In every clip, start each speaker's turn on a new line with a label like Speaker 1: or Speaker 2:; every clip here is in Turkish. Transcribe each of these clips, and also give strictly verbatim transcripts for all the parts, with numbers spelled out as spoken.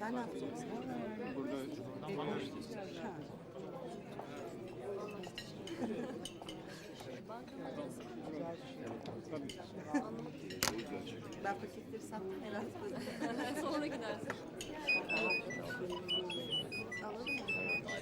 Speaker 1: Sen ne yapacaksın? Ha. Ben paketleri sattım herhalde.
Speaker 2: Sonra gidersin.
Speaker 1: Anladın mı?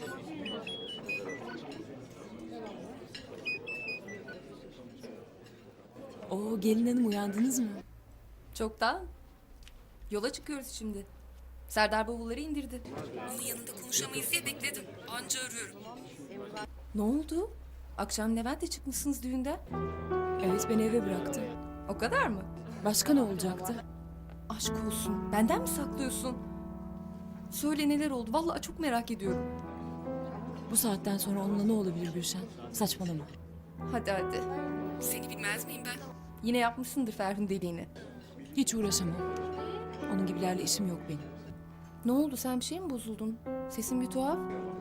Speaker 3: Oo, gelin hanım uyandınız mı?
Speaker 2: Çoktan. Yola çıkıyoruz şimdi. Serdar bavulları indirdi. Onun yanında konuşamayız diye bekledim. Anca arıyorum. Ne oldu? Akşam Levent'le çıkmışsınız düğünden.
Speaker 3: Evet, beni eve bıraktı.
Speaker 2: O kadar mı?
Speaker 3: Başka ne olacaktı?
Speaker 2: Aşk olsun. Benden mi saklıyorsun? Söyle neler oldu? Vallahi çok merak ediyorum.
Speaker 3: Bu saatten sonra onunla ne olabilir Gülşen? Saçmalama.
Speaker 2: Hadi hadi. Seni bilmez miyim ben? Yine yapmışsındır Ferhun deliğini.
Speaker 3: Hiç uğraşamam. Onun gibilerle işim yok benim.
Speaker 2: Ne oldu? Sen bir şey mi bozuldun? Sesin bir tuhaf.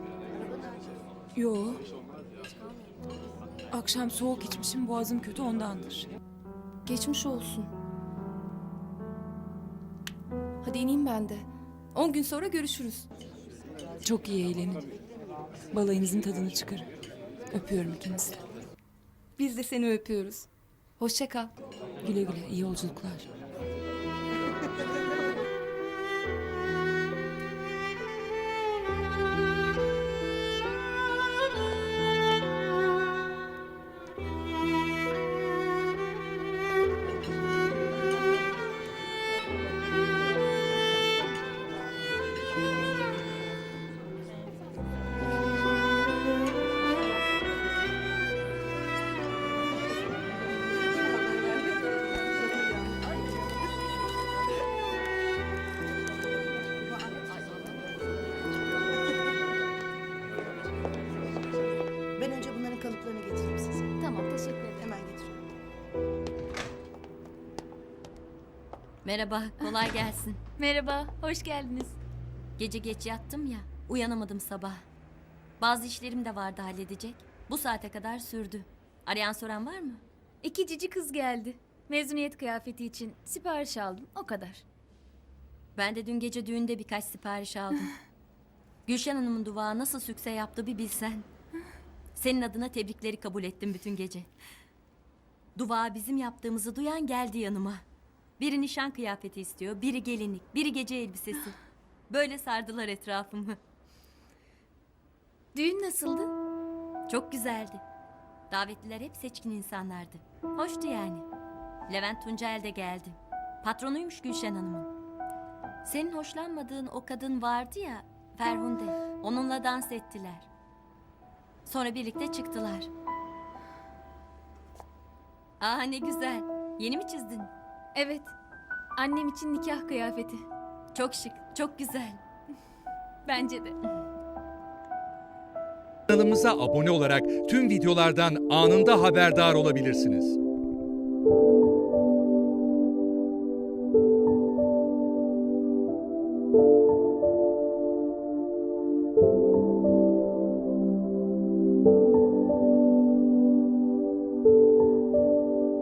Speaker 3: Yo. Akşam soğuk içmişim, boğazım kötü ondandır.
Speaker 2: Geçmiş olsun. Hadi ineyim ben de. On gün sonra görüşürüz.
Speaker 3: Çok iyi eğlenin. Balayınızın tadını çıkarın. Öpüyorum ikinizi de.
Speaker 2: Biz de seni öpüyoruz. Hoşça kal.
Speaker 3: Güle güle, iyi yolculuklar.
Speaker 1: Ben önce bunların kalıplarını getireyim size.
Speaker 2: Tamam, teşekkür ederim.
Speaker 1: Hemen getiriyorum.
Speaker 4: Merhaba, kolay gelsin.
Speaker 5: Merhaba, hoş geldiniz.
Speaker 4: Gece geç yattım ya, uyanamadım sabah. Bazı işlerim de vardı halledecek. Bu saate kadar sürdü. Arayan soran var mı?
Speaker 5: İki cici kız geldi. Mezuniyet kıyafeti için sipariş aldım, o kadar.
Speaker 4: Ben de dün gece düğünde birkaç sipariş aldım. Gülşen Hanım'ın duvağı nasıl sükse yaptı bir bilsen. Senin adına tebrikleri kabul ettim bütün gece. Duvağı bizim yaptığımızı duyan geldi yanıma. Biri nişan kıyafeti istiyor, biri gelinlik, biri gece elbisesi. Böyle sardılar etrafımı.
Speaker 5: Düğün nasıldı?
Speaker 4: Çok güzeldi. Davetliler hep seçkin insanlardı. Hoştu yani. Levent Tuncel de geldi. Patronuymuş Gülşen Hanım'ın. Senin hoşlanmadığın o kadın vardı ya, Ferhunde. Onunla dans ettiler. Sonra birlikte çıktılar. Aa ne güzel. Yeni mi çizdin?
Speaker 5: Evet, annem için nikah kıyafeti.
Speaker 4: Çok şık, çok güzel.
Speaker 5: Bence de.
Speaker 6: Kanalımıza abone olarak tüm videolardan anında haberdar olabilirsiniz.